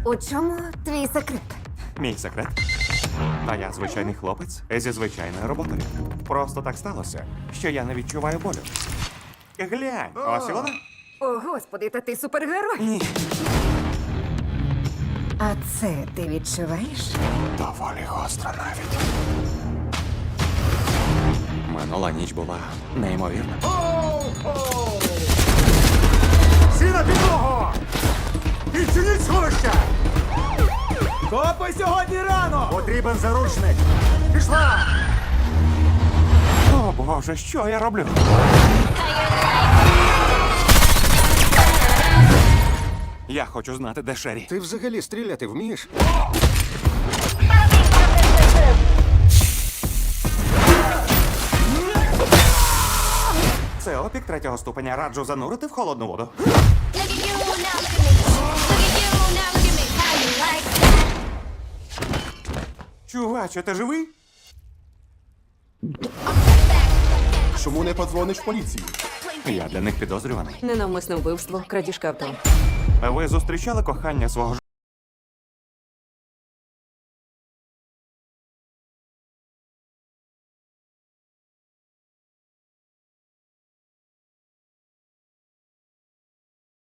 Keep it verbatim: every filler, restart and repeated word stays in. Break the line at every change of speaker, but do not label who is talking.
У чому твій секрет?
Мій секрет. А я звичайний хлопець зі звичайною роботою. Просто так сталося, що я не відчуваю болю. Глянь, ось і вона.
О, господи, та ти супергерой.
Ні.
А це ти відчуваєш?
Доволі гостро навіть. Минула ніч була неймовірна.
Всі на підлогу! Відчиніть сховище!
Копи сьогодні рано!
Потрібен заручник! Пішла!
О, Боже, що я роблю? Я хочу знати, де Шері.
Ти взагалі стріляти вмієш?
Це опік третього ступеня. Раджу занурити в холодну воду.
Look at you now, look at me. Look at you now, look at me. How you like that?
Чуваче, ти живий?
Чому не подзвониш в поліцію?
Я для них підозрюваний.
Ненавмисне вбивство, крадіжка авто.
Ви зустрічали кохання свого